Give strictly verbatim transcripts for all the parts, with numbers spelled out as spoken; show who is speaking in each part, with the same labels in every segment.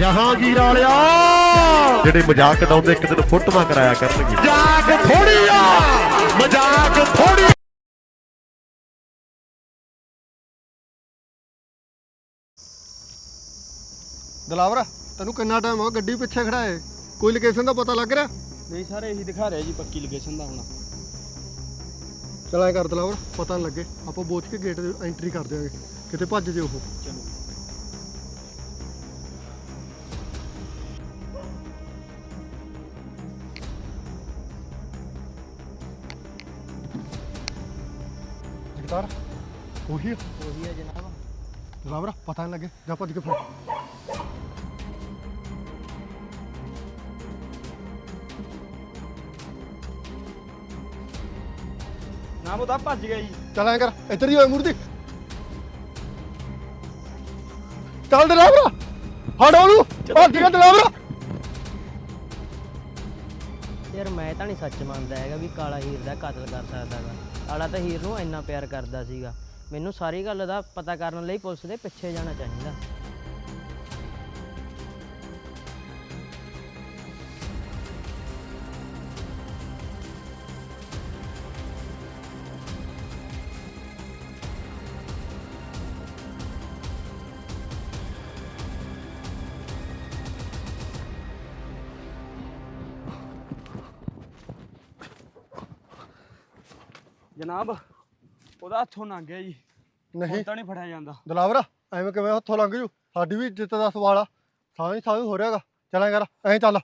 Speaker 1: ਜਹਾਂਗੀਰ ਵਾਲਿਆ ਜਿਹੜੇ ਮਜ਼ਾਕ ਉਡਾਉਂਦੇ ਇੱਕ ਦਿਨ ਫੋਟੋਆਂ ਕਰਾਇਆ ਕਰਨਗੇ। ਮਜ਼ਾਕ ਥੋੜੀ ਆ, ਮਜ਼ਾਕ ਥੋੜੀ।
Speaker 2: ਦਲਾਵਰ ਤੈਨੂੰ ਕਿੰਨਾ ਟਾਈਮ ਹੋ ਗੱਡੀ ਪਿੱਛੇ ਖੜਾ ਹੈ, ਕੋਈ ਲੋਕੇਸ਼ਨ ਦਾ ਪਤਾ ਲੱਗ ਰਿਹਾ?
Speaker 3: ਨਹੀਂ ਸਰ, ਇਹੀ ਦਿਖਾ ਰਿਹਾ ਜੀ ਪੱਕੀ ਲੋਕੇਸ਼ਨ ਦਾ। ਹੁਣ
Speaker 2: ਚਲ ਐ ਕਰ ਦਲਾਵਰ, ਪਤਾ ਨਹੀਂ ਲੱਗੇ ਆਪਾਂ ਬੋਚ ਕੇ ਗੇਟ ਐਂਟਰੀ ਕਰ ਦਿਆਂਗੇ, ਕਿਤੇ ਭੱਜ ਜੇ ਉਹ।
Speaker 3: ਚਲੋ
Speaker 2: ਜਗਤਾਰ ਉਹੀ ਆ?
Speaker 3: ਉਹੀ ਹੈ ਜਨਾਬ।
Speaker 2: ਦਲਾਵਰ ਪਤਾ ਨਹੀਂ ਲੱਗੇ, ਜਾ ਭੱਜ ਕੇ ਫੜ।
Speaker 3: ਨਾ ਉਹ ਤਾਂ ਭੱਜ ਗਿਆ ਜੀ।
Speaker 2: ਚੱਲ ਐ ਕਰ, ਇੱਧਰ ਹੀ ਹੋਏ ਮੂਰਤੀ। ਚੱਲ ਦਲਾਵਰ ਹਟ ਉਹਨੂੰ, ਭੱਜ ਗਿਆ ਦਲਾਵਰ।
Speaker 4: ਯਾਰ ਮੈਂ ਤਾਂ ਨਹੀਂ ਸੱਚ ਮੰਨਦਾ ਹੈਗਾ ਵੀ ਕਾਲਾ ਹੀਰ ਦਾ ਕਤਲ ਕਰ ਸਕਦਾ ਗਾ। ਕਾਲਾ ਤਾਂ ਹੀਰ ਨੂੰ ਇੰਨਾ ਪਿਆਰ ਕਰਦਾ ਸੀਗਾ। ਮੈਨੂੰ ਸਾਰੀ ਗੱਲ ਦਾ ਪਤਾ ਕਰਨ ਲਈ ਪੁਲਿਸ ਦੇ ਪਿੱਛੇ ਜਾਣਾ ਚਾਹੀਦਾ।
Speaker 3: ਜਨਾਬ ਉਹਦਾ ਹੱਥੋਂ ਲੰਘ ਗਿਆ ਜੀ।
Speaker 2: ਨਹੀਂ
Speaker 3: ਤਾਂ ਨਹੀਂ ਫੜਿਆ ਜਾਂਦਾ।
Speaker 2: ਦਲਾਵਰ ਐਵੇਂ ਕਿਵੇਂ ਹੱਥੋਂ ਲੰਘ ਜੂ, ਸਾਡੀ ਵੀ ਇੱਜ਼ਤ ਦਾ ਸਵਾਲ ਆ। ਸਾਂ ਹੀ ਸਾਂ ਹੋ ਰਿਹਾਗਾ। ਚੱਲ ਐ ਕਰ, ਐਂ ਚੱਲ।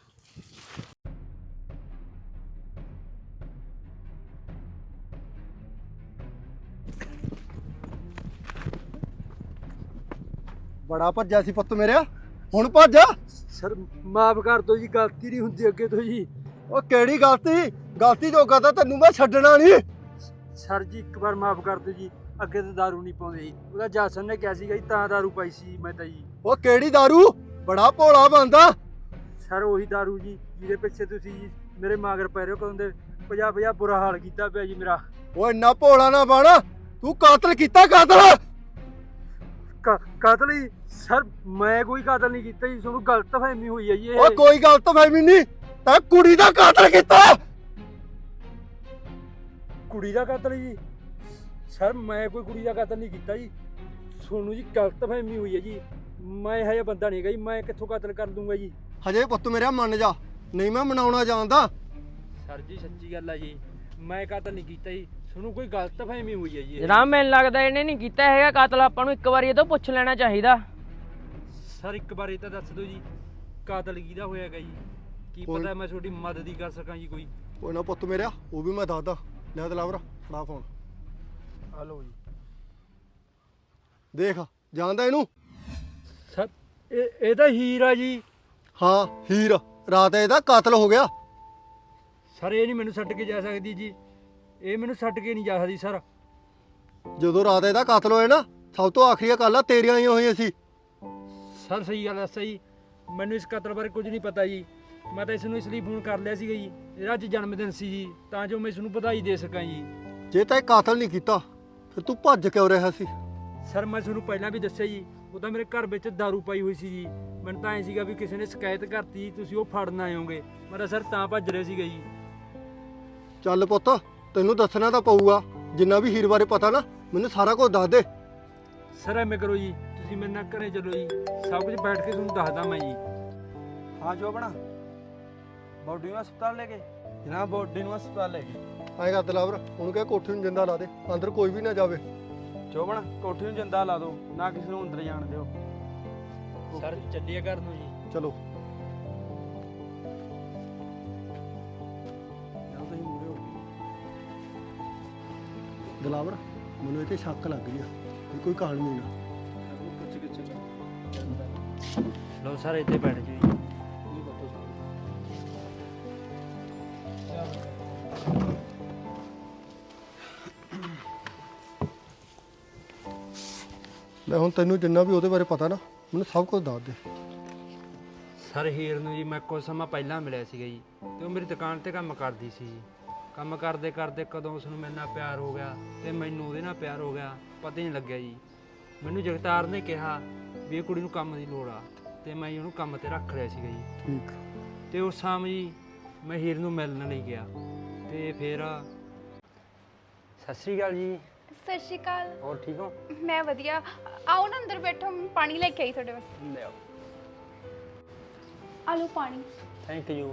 Speaker 2: ਬੜਾ ਭੱਜਿਆ ਸੀ ਪੁੱਤ ਮੇਰਿਆ, ਹੁਣ ਭੱਜ।
Speaker 3: ਸਰ ਮਾਫ ਕਰ ਦਿਓ ਜੀ, ਗਲਤੀ ਨਹੀਂ ਹੁੰਦੀ ਅੱਗੇ ਤੋਂ ਜੀ।
Speaker 2: ਉਹ ਕਿਹੜੀ ਗਲਤੀ? ਗਲਤੀ ਜੋਗਾ ਤਾਂ ਤੈਨੂੰ ਮੈਂ ਛੱਡਣਾ ਨਹੀਂ।
Speaker 3: ਸਰ ਜੀ ਇੱਕ ਵਾਰ ਮਾਫ ਕਰ ਦਿਓ ਜੀ, ਅੱਗੇ ਤੋਂ ਦਾਰੂ ਨਹੀਂ ਪਾਉਂਦੇ ਜੀ। ਉਹਦਾ ਜਾਸਨ ਨੇ ਕਿਹਾ ਸੀਗਾ ਜੀ, ਤਾਂ ਦਾਰੂ ਪਾਈ ਸੀ ਮੈਂ ਤਾਂ ਜੀ।
Speaker 2: ਉਹ ਕਿਹੜੀ ਦਾਰੂ? ਬੜਾ ਭੋਲਾ ਬੰਦਾ।
Speaker 3: ਸਰ ਉਹੀ ਦਾਰੂ ਜੀ ਜਿਹਦੇ ਪਿੱਛੇ ਤੁਸੀਂ ਜੀ ਮੇਰੇ ਮਾਗਰ ਪੈ ਰਹੇ ਹੋ। ਕਦੋਂ ਦੇ ਪੰਜਾਹ ਪੰਜਾਹ ਬੁਰਾ ਹਾਲ ਕੀਤਾ ਪਿਆ ਜੀ ਮੇਰਾ।
Speaker 2: ਉਹ ਇੰਨਾ ਭੋਲਾ ਨਾ ਬਣ, ਤੂੰ ਕਾਤਲ ਕੀਤਾ। ਕਾਤਲ
Speaker 3: ਕਾਤਲ ਜੀ? ਸਰ ਮੈਂ ਕੋਈ ਕਾਤਲ ਨਹੀਂ ਕੀਤਾ ਜੀ, ਤੁਹਾਨੂੰ ਗਲਤ ਫਹਿਮੀ ਹੋਈ ਹੈ ਜੀ।
Speaker 2: ਉਹ ਕੋਈ ਗਲਤ ਫਹਿਮੀ ਨਹੀਂ, ਤੈਂ ਕੁੜੀ ਦਾ ਕਾਤਲ ਕੀਤਾ।
Speaker 3: ਕੁੜੀ ਦਾ ਕਾਤਲ ਜੀ? ਸਰ ਮੈਂ ਕੋਈ ਕੁੜੀ ਦਾ ਕਾਤਲ ਨਹੀਂ ਕੀਤਾ ਜੀ, ਤੁਹਾਨੂੰ ਜੀ ਗਲਤ ਫਹਿਮੀ ਹੋਈ ਹੈ ਜੀ। ਮੈਂ ਇਹੋ ਜਿਹਾ ਬੰਦਾ ਨਹੀਂ ਗਾ ਜੀ, ਮੈਂ ਕਿੱਥੋਂ ਕਾਤਲ ਕਰ ਦੂੰਗਾ ਜੀ।
Speaker 2: ਹਜੇ ਪੁੱਤ ਮੇਰਾ ਮੰਨ ਜਾ, ਨਹੀਂ ਮੈਂ ਮਨਾਉਣਾ ਜਾਣਦਾ।
Speaker 3: ਸਰ ਜੀ ਸੱਚੀ ਗੱਲ ਹੈ ਜੀ, ਮੈਂ ਕਾਤਲ ਨਹੀਂ ਕੀਤਾ ਜੀ, ਤੁਹਾਨੂੰ ਕੋਈ ਗਲਤ ਫਹਿਮੀ ਹੋਈ ਹੈ ਜੀ।
Speaker 4: ਜਨਾਬ ਮੈਨੂੰ ਲੱਗਦਾ ਇਹਨੇ ਨਹੀਂ ਕੀਤਾ ਹੈਗਾ ਕਤਲ। ਆਪਾਂ ਨੂੰ ਇੱਕ ਵਾਰੀ ਇਹ ਤੋਂ ਪੁੱਛ ਲੈਣਾ ਚਾਹੀਦਾ।
Speaker 3: ਸਰ ਇੱਕ ਵਾਰ ਇਹ ਤਾਂ ਦੱਸ ਦਿਓ ਜੀ, ਕਾਤਲ ਕਿਹਦਾ ਹੋਇਆਗਾ ਜੀ? ਕੀ ਪਤਾ ਮੈਂ ਤੁਹਾਡੀ ਮਦਦ ਹੀ ਕਰ ਸਕਾਂ ਜੀ ਕੋਈ।
Speaker 2: ਕੋਈ ਨਾ ਪੁੱਤ ਮੇਰਿਆ, ਉਹ ਵੀ ਮੈਂ ਦੱਸਦਾ। ਲੈ ਦਲਾਵਰ ਫੜਾ ਫੋਨ।
Speaker 3: ਹਲੋ ਜੀ।
Speaker 2: ਦੇਖ ਜਾਣਦਾ ਇਹਨੂੰ?
Speaker 3: ਸਰ ਇਹ ਇਹ ਤਾਂ ਹੀਰ ਆ ਜੀ।
Speaker 2: ਹਾਂ ਹੀਰ, ਰਾਤ ਇਹਦਾ ਕਾਤਲ ਹੋ ਗਿਆ।
Speaker 3: ਸਰ ਇਹ ਨਹੀਂ ਮੈਨੂੰ ਛੱਡ ਕੇ ਜਾ ਸਕਦੀ ਜੀ, ਇਹ ਮੈਨੂੰ ਛੱਡ ਕੇ ਨਹੀਂ ਜਾ ਸਕਦੀ ਸਰ।
Speaker 2: ਜਦੋਂ ਰਾਤ ਇਹਦਾ ਕਾਤਲ ਹੋਇਆ ਨਾ, ਸਭ ਤੋਂ ਆਖਰੀ ਗੱਲਾਂ ਤੇਰੀਆਂ ਆਈਆਂ ਹੋਈਆਂ ਸੀ।
Speaker 3: ਸਰ ਸਹੀ ਗੱਲ ਦੱਸਿਆ ਜੀ, ਮੈਨੂੰ ਇਸ ਕਤਲ ਬਾਰੇ ਕੁਝ ਨਹੀਂ ਪਤਾ ਜੀ। ਮੈਂ ਤਾਂ ਇਸ ਨੂੰ ਇਸ ਲਈ ਫੋਨ ਕਰ ਲਿਆ ਸੀਗਾ ਜੀ, ਇਹਦਾ ਅੱਜ ਜਨਮ ਦਿਨ ਸੀ ਜੀ, ਤਾਂ ਜੋ ਮੈਂ ਇਸ ਨੂੰ ਵਧਾਈ ਦੇ ਸਕਾਂ ਜੀ।
Speaker 2: ਜੇ ਤਾਂ ਇਹ ਕਾਤਲ ਨਹੀਂ ਕੀਤਾ ਫਿਰ ਤੂੰ ਭੱਜ ਕਿਉਂ ਰਿਹਾ ਸੀ?
Speaker 3: ਸਰ ਮੈਂ ਤੁਹਾਨੂੰ ਪਹਿਲਾਂ ਵੀ ਦੱਸਿਆ ਜੀ, ਉਹ ਤਾਂ ਮੇਰੇ ਘਰ ਵਿੱਚ ਦਾਰੂ ਪਾਈ ਹੋਈ ਸੀ ਜੀ। ਮੈਨੂੰ ਤਾਂ ਐਂ ਸੀਗਾ ਵੀ ਕਿਸੇ ਨੇ ਸ਼ਿਕਾਇਤ ਕਰਤੀ, ਤੁਸੀਂ ਉਹ ਫੜਨ ਆਇਓਗੇ। ਮੈਂ ਤਾਂ ਸਰ ਤਾਂ ਭੱਜ ਰਿਹਾ ਸੀਗਾ ਜੀ।
Speaker 2: ਚੱਲ ਪੁੱਤ, ਤੈਨੂੰ ਦੱਸਣਾ ਤਾਂ ਪਊਗਾ। ਜਿੰਨਾ ਵੀ ਹੀਰ ਬਾਰੇ ਪਤਾ ਨਾ, ਮੈਨੂੰ ਸਾਰਾ ਕੁਝ ਦੱਸ ਦੇ।
Speaker 3: ਸਰ ਐਵੇਂ ਕਰੋ ਜੀ, ਤੁਸੀਂ ਮੇਰੇ ਨਾਲ ਘਰੇ ਚਲੋ ਜੀ, ਸਭ ਕੁਝ ਬੈਠ ਕੇ ਤੁਹਾਨੂੰ ਦੱਸਦਾ ਮੈਂ ਜੀ। ਹਾਂ ਜੋ ਬਣਾ ਬੋਡੀ ਨੂੰ ਹਸਪਤਾਲ ਲੈ ਕੇ। ਜਨਾਬ ਬੋਡੀ ਨੂੰ ਹਸਪਤਾਲ ਲੈ ਕੇ।
Speaker 2: ਐਂ ਕਰ ਦਲਾਵਰ, ਉਹਨੂੰ ਕਹਿ ਕੋਠੀ ਨੂੰ ਜਿੰਦਾ ਲਾ ਦੇ, ਅੰਦਰ ਕੋਈ ਵੀ ਨਾ ਜਾਵੇ।
Speaker 3: ਚੋਬਣ ਕੋਠੀ ਨੂੰ ਜਿੰਦਾ ਲਾ ਦਿਓ, ਨਾ ਕਿਸੇ ਨੂੰ ਅੰਦਰ ਜਾਣ ਦਿਓ। ਸਰ ਚੱਲੀਏ ਘਰ ਨੂੰ ਜੀ।
Speaker 2: ਚਲੋ। ਦਲਾਵਰ ਮੈਨੂੰ ਇਹ ਤੇ ਸ਼ੱਕ ਲੱਗ ਰਿਹਾ ਵੀ ਕੋਈ ਕਹਾਣੀ ਨਾ।
Speaker 3: ਲਓ ਸਰ ਇੱਥੇ ਬੈਠ ਜਾਓ ਜੀ।
Speaker 2: ਲੈ ਹੁਣ ਤੈਨੂੰ ਜਿੰਨਾ ਵੀ ਉਹਦੇ ਬਾਰੇ ਪਤਾ ਨਾ, ਮੈਨੂੰ ਸਭ ਕੁਝ ਦੱਸ ਦੇ।
Speaker 3: ਸਰ ਹੀਰ ਨੂੰ ਜੀ ਮੈਂ ਕੁਝ ਸਮਾਂ ਪਹਿਲਾਂ ਮਿਲਿਆ ਸੀਗਾ ਜੀ, ਤੇ ਉਹ ਮੇਰੀ ਦੁਕਾਨ ਤੇ ਕੰਮ ਕਰਦੀ ਸੀ ਜੀ। ਕੰਮ ਕਰਦੇ ਕਰਦੇ ਕਦੋਂ ਉਸ ਨੂੰ ਮੇਰੇ ਨਾਲ ਪਿਆਰ ਹੋ ਗਿਆ ਤੇ ਮੈਨੂੰ ਉਹਦੇ ਨਾਲ ਪਿਆਰ ਹੋ ਗਿਆ, ਪਤਾ ਹੀ ਨਹੀਂ ਲੱਗਿਆ ਜੀ। ਮੈਨੂੰ ਜਗਤਾਰ ਨੇ ਕਿਹਾ ਵੀ ਇਹ ਕੁੜੀ ਨੂੰ ਕੰਮ ਦੀ ਲੋੜ ਆ, ਤੇ ਮੈਂ ਜੀ ਉਹਨੂੰ ਕੰਮ ਤੇ ਰੱਖ ਲਿਆ ਸੀਗਾ ਜੀ।
Speaker 2: ਠੀਕ।
Speaker 3: ਤੇ ਉਸ ਸ਼ਾਮ ਜੀ ਮੈਂ ਹੀਰ ਨੂੰ ਮਿਲਣ ਲਈ ਗਿਆ ਤੇ ਫਿਰ ਸਤਿ ਸ਼੍ਰੀ ਅਕਾਲ ਜੀ।
Speaker 5: ਸਤਿ ਸ਼੍ਰੀ ਅਕਾਲ।
Speaker 3: ਹੋਰ ਠੀਕ ਹੋ?
Speaker 5: ਮੈਂ ਵਧੀਆ। ਆਓ ਨਾ ਅੰਦਰ ਬੈਠੋ, ਮੈਂ ਪਾਣੀ ਲੈ ਕੇ ਆਈ ਤੁਹਾਡੇ ਵਾਸਤੇ।
Speaker 3: ਲੈ ਆਓ।
Speaker 5: ਆ ਲਓ ਪਾਣੀ।
Speaker 3: Thank you.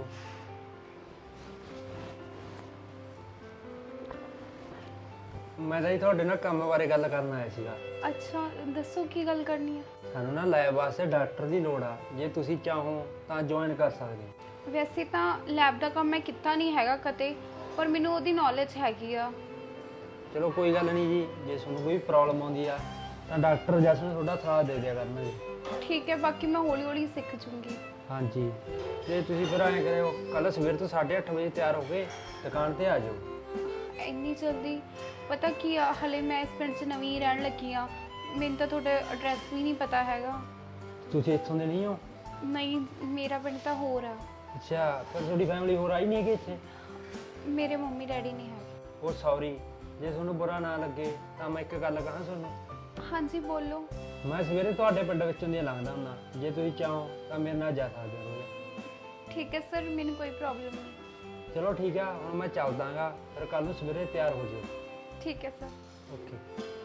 Speaker 3: ਮੈਂ ਤਾਂ ਜੀ ਤੁਹਾਡੇ ਨਾਲ ਕੰਮ ਬਾਰੇ ਗੱਲ ਕਰਨ ਆਇਆ ਸੀਗਾ।
Speaker 5: ਅੱਛਾ, ਦੱਸੋ ਕੀ ਗੱਲ ਕਰਨੀ ਹੈ?
Speaker 3: ਸਾਨੂੰ ਨਾ ਲੈਬ ਵਾਸਤੇ ਡਾਕਟਰ ਦੀ ਲੋੜ ਆ, ਜੇ ਤੁਸੀਂ ਚਾਹੋ ਤਾਂ ਜੁਆਇਨ ਕਰ ਸਕਦੇ ਹੋ।
Speaker 5: ਵੈਸੇ ਤਾਂ ਲੈਬ ਦਾ ਕੰਮ ਮੈਂ ਕੀਤਾ ਨਹੀਂ ਹੈਗਾ ਕਦੇ, ਪਰ ਮੈਨੂੰ ਉਹਦੀ ਨੌਲੇਜ ਹੈਗੀ ਆ।
Speaker 3: ਚਲੋ ਕੋਈ ਗੱਲ ਨਹੀਂ ਜੀ, ਜੇ ਤੁਹਾਨੂੰ ਕੋਈ ਪ੍ਰੋਬਲਮ ਆਉਂਦੀ ਆ ਤਾਂ ਡਾਕਟਰ ਜਸਨ ਤੁਹਾਡਾ ਸਾਥ ਦੇ ਦਿਆ ਕਰਨਗੇ।
Speaker 5: ਠੀਕ ਹੈ, ਬਾਕੀ ਮੈਂ ਹੌਲੀ ਹੌਲੀ ਸਿੱਖ ਜੂੰਗੀ।
Speaker 3: ਹਾਂਜੀ, ਤੇ ਤੁਸੀਂ ਫਿਰ ਐਂ ਕਰਿਓ, ਕੱਲ ਸਵੇਰ ਤੋਂ ਸਾਢੇ ਅੱਠ ਵਜੇ ਤਿਆਰ ਹੋ ਕੇ ਦੁਕਾਨ ਤੇ ਆ ਜਾਓ।
Speaker 5: ਇੰਨੀ ਜਲਦੀ? ਪਤਾ ਕੀ ਆ, ਹਲੇ ਮੈਂ ਇਸ ਪਿੰਡ 'ਚ ਨਵੀਂ ਰਹਿਣ ਲੱਗੀ ਆ, ਮੈਨੂੰ ਤਾਂ ਤੁਹਾਡਾ ਐਡਰੈਸ ਵੀ ਨਹੀਂ ਪਤਾ ਹੈਗਾ।
Speaker 3: ਤੁਸੀਂ ਇੱਥੋਂ ਦੇ ਨਹੀਂ ਹੋ?
Speaker 5: ਨਹੀਂ, ਮੇਰਾ ਪਿੰਡ ਤਾਂ ਹੋਰ ਆ।
Speaker 3: ਅੱਛਾ, ਫਿਰ ਤੁਹਾਡੀ ਫੈਮਿਲੀ ਹੋਰ ਆਈ ਨਹੀਂ ਹੈਗੀ ਇੱਥੇ?
Speaker 5: ਮੇਰੇ ਮੰਮੀ ਡੈਡੀ ਨਹੀਂ ਹੈਗੇ।
Speaker 3: ਉਹ ਸੌਰੀ, ਜੇ ਤੁਹਾਨੂੰ ਬੁਰਾ ਨਾ ਲੱਗੇ ਤਾਂ ਮੈਂ ਇੱਕ ਗੱਲ ਕਹਾਂ ਤੁਹਾਨੂੰ।
Speaker 5: ਹਾਂਜੀ ਬੋਲੋ।
Speaker 3: ਮੈਂ ਸਵੇਰੇ ਤੁਹਾਡੇ ਪਿੰਡ ਵਿੱਚੋਂ ਦੀ ਲੰਘਦਾ ਹੁੰਦਾ, ਜੇ ਤੁਸੀਂ ਚਾਹੋ ਤਾਂ ਮੇਰੇ ਨਾਲ ਜਾ ਸਕਦੇ ਹੋ।
Speaker 5: ਠੀਕ ਹੈ ਸਰ, ਮੈਨੂੰ ਕੋਈ ਪ੍ਰੋਬਲਮ ਨਹੀਂ।
Speaker 3: ਚਲੋ ਠੀਕ ਆ, ਹੁਣ ਮੈਂ ਚੱਲਦਾਗਾ, ਫਿਰ ਕੱਲ ਨੂੰ ਸਵੇਰੇ ਤਿਆਰ ਹੋ ਜਾਓ।
Speaker 5: ਠੀਕ ਹੈ ਸਰ।
Speaker 3: ਓਕੇ।